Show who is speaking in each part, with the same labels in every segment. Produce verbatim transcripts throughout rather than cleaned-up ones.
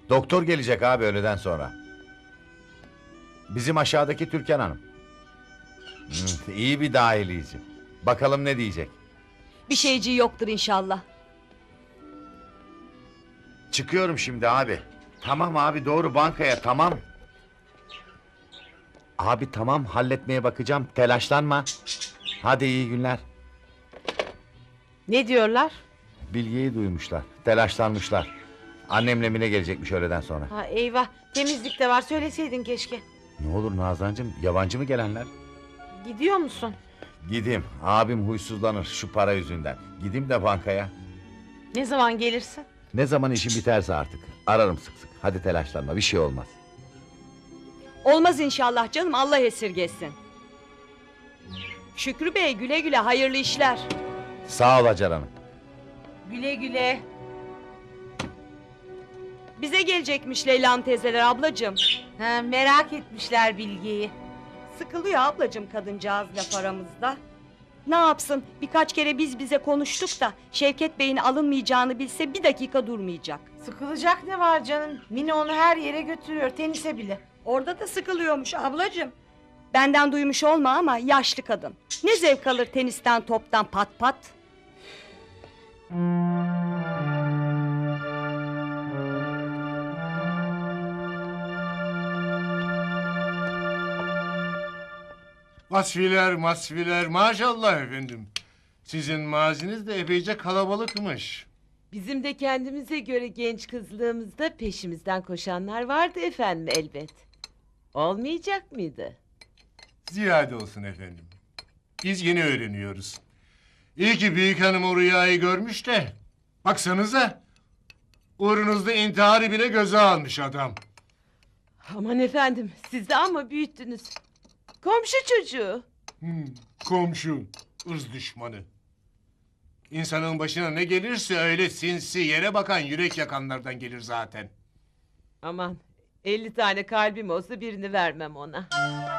Speaker 1: Doktor gelecek abi öğleden sonra. Bizim aşağıdaki Türkan Hanım. Hı, iyi bir dahiliyci. Bakalım ne diyecek.
Speaker 2: Bir şeyciği yoktur inşallah.
Speaker 1: Çıkıyorum şimdi abi. Tamam abi, doğru bankaya, tamam. Abi tamam, halletmeye bakacağım, telaşlanma. Hadi iyi günler.
Speaker 3: Ne diyorlar?
Speaker 1: Bilgiyi duymuşlar, telaşlanmışlar. Annemle Mine gelecekmiş öğleden sonra.
Speaker 3: Ha, eyvah, temizlik de var, söyleseydin keşke.
Speaker 1: Ne olur Nazancığım, yabancı mı gelenler?
Speaker 3: Gidiyor musun?
Speaker 1: Gideyim, abim huysuzlanır şu para yüzünden. Gideyim de bankaya.
Speaker 3: Ne zaman gelirsin?
Speaker 1: Ne zaman işim biterse artık. Ararım sık sık. Hadi telaşlanma, bir şey olmaz.
Speaker 2: Olmaz inşallah canım, Allah esirgesin. Şükrü Bey güle güle, hayırlı işler.
Speaker 1: Sağ ol Hacer Hanım.
Speaker 3: Güle güle.
Speaker 2: Bize gelecekmiş Leyla'nın teyzeler ablacığım.
Speaker 3: Ha, merak etmişler Bilge'yi.
Speaker 2: Sıkılıyor ablacığım kadıncağız laf aramızda. Ne yapsın, birkaç kere biz bize konuştuk da Şevket Bey'in alınmayacağını bilse bir dakika durmayacak.
Speaker 3: Sıkılacak ne var canım? Mine onu her yere götürüyor, tenise bile.
Speaker 2: Orada da sıkılıyormuş ablacığım. Benden duymuş olma ama yaşlı kadın. Ne zevk alır tenisten, toptan, pat pat.
Speaker 4: Vasfiler masfiler maşallah efendim. Sizin maziniz de epeyce kalabalıkmış.
Speaker 5: Bizim de kendimize göre genç kızlığımızda peşimizden koşanlar vardı efendim elbet. Olmayacak mıydı?
Speaker 4: Ziyade olsun efendim. Biz yeni öğreniyoruz. İyi ki büyük hanım o rüyayı görmüş de. Baksanıza. Uğrunuzda intiharı bile göze almış adam.
Speaker 5: Aman efendim siz de ama büyüttünüz. Komşu çocuğu.
Speaker 4: Hmm, komşu, ırz düşmanı. İnsanın başına ne gelirse öyle sinsi, yere bakan, yürek yakanlardan gelir zaten.
Speaker 5: Aman elli tane kalbim olsa birini vermem ona.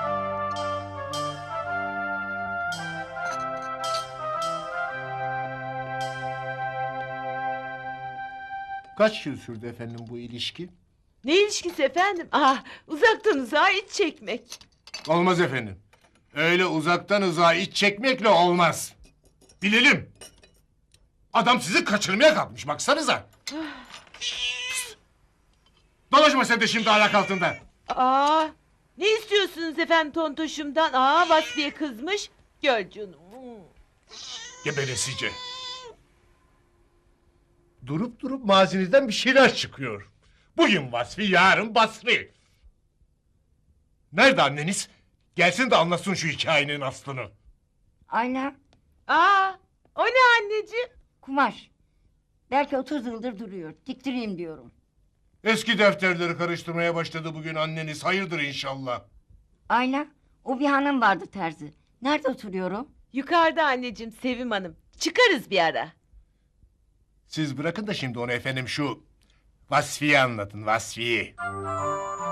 Speaker 4: Kaç yıl sürdü efendim bu ilişki?
Speaker 5: Ne ilişkisi efendim? Ah, uzaktan uzağa iç çekmek.
Speaker 4: Olmaz efendim. Öyle uzaktan uzağa iç çekmekle olmaz. Bilelim. Adam sizi kaçırmaya kalkmış baksanıza. Pst! Dolaşma sen de şimdi ayak altında.
Speaker 5: Aa, ne istiyorsunuz efendim tontoşumdan? Aa, Vasfiye kızmış. Gör canım.
Speaker 4: Gebelesice. Durup durup mazinizden bir şeyler çıkıyor. Bugün Vasfi, yarın Basri. Nerede anneniz? Gelsin de anlasın şu hikayenin aslını.
Speaker 6: Ayla,
Speaker 5: Aa, o ne anneciğim?
Speaker 6: kumaş. Belki otuz yıldır duruyor. Diktireyim diyorum.
Speaker 4: Eski defterleri karıştırmaya başladı bugün anneniz. Hayırdır inşallah.
Speaker 6: Ayla, o bir hanım vardı terzi. Nerede oturuyorum?
Speaker 5: Yukarıda anneciğim Sevim Hanım. Çıkarız bir ara.
Speaker 4: Siz bırakın da şimdi onu efendim şu Vasfi'yi anlatın, Vasfi'yi.